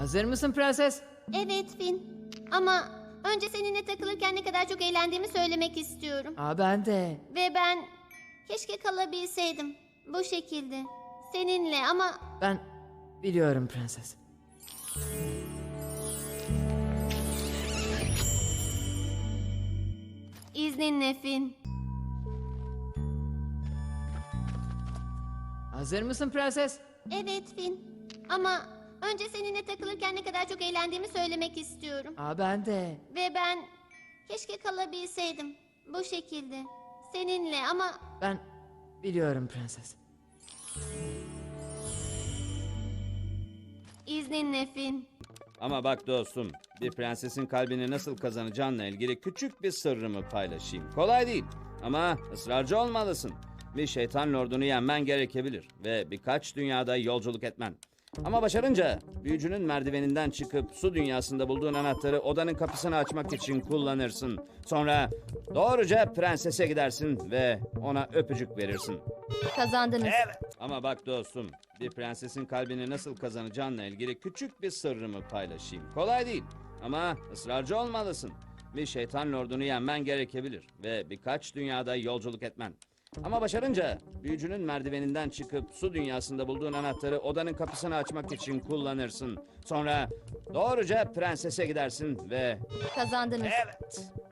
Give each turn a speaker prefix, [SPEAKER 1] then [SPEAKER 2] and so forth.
[SPEAKER 1] Hazır mısın prenses?
[SPEAKER 2] Evet Finn. Ama önce seninle takılırken ne kadar çok eğlendiğimi söylemek istiyorum.
[SPEAKER 1] Ben de.
[SPEAKER 2] Ve ben keşke kalabilseydim. Bu şekilde. Seninle ama
[SPEAKER 1] Ben biliyorum prenses.
[SPEAKER 2] izninle Finn.
[SPEAKER 1] Hazır mısın prenses?
[SPEAKER 2] Evet Finn. Ama önce seninle takılırken ne kadar çok eğlendiğimi söylemek istiyorum.
[SPEAKER 1] Ben de.
[SPEAKER 2] Ve ben keşke kalabilseydim. Bu şekilde. Seninle ama
[SPEAKER 1] Ben biliyorum prenses.
[SPEAKER 2] izninle Finn.
[SPEAKER 3] Ama bak dostum, bir prensesin kalbini nasıl kazanacağınla ilgili küçük bir sırrımı paylaşayım. Kolay değil ama ısrarcı olmalısın. Bir şeytan lordunu yenmen gerekebilir ve birkaç dünyada yolculuk etmen. Ama başarınca büyücünün merdiveninden çıkıp su dünyasında bulduğun anahtarı odanın kapısını açmak için kullanırsın. Sonra doğruca prensese gidersin ve ona öpücük verirsin.
[SPEAKER 2] Kazandınız.
[SPEAKER 3] Ama bak dostum, bir prensesin kalbini nasıl kazanacağınla ilgili küçük bir sırrımı paylaşayım. Kolay değil ama ısrarcı olmalısın. Bir şeytan lordunu yenmen gerekebilir ve birkaç dünyada yolculuk etmen. Ama başarınca büyücünün merdiveninden çıkıp su dünyasında bulduğun anahtarı odanın kapısını açmak için kullanırsın. Sonra doğruca prensese gidersin ve
[SPEAKER 2] Kazandınız.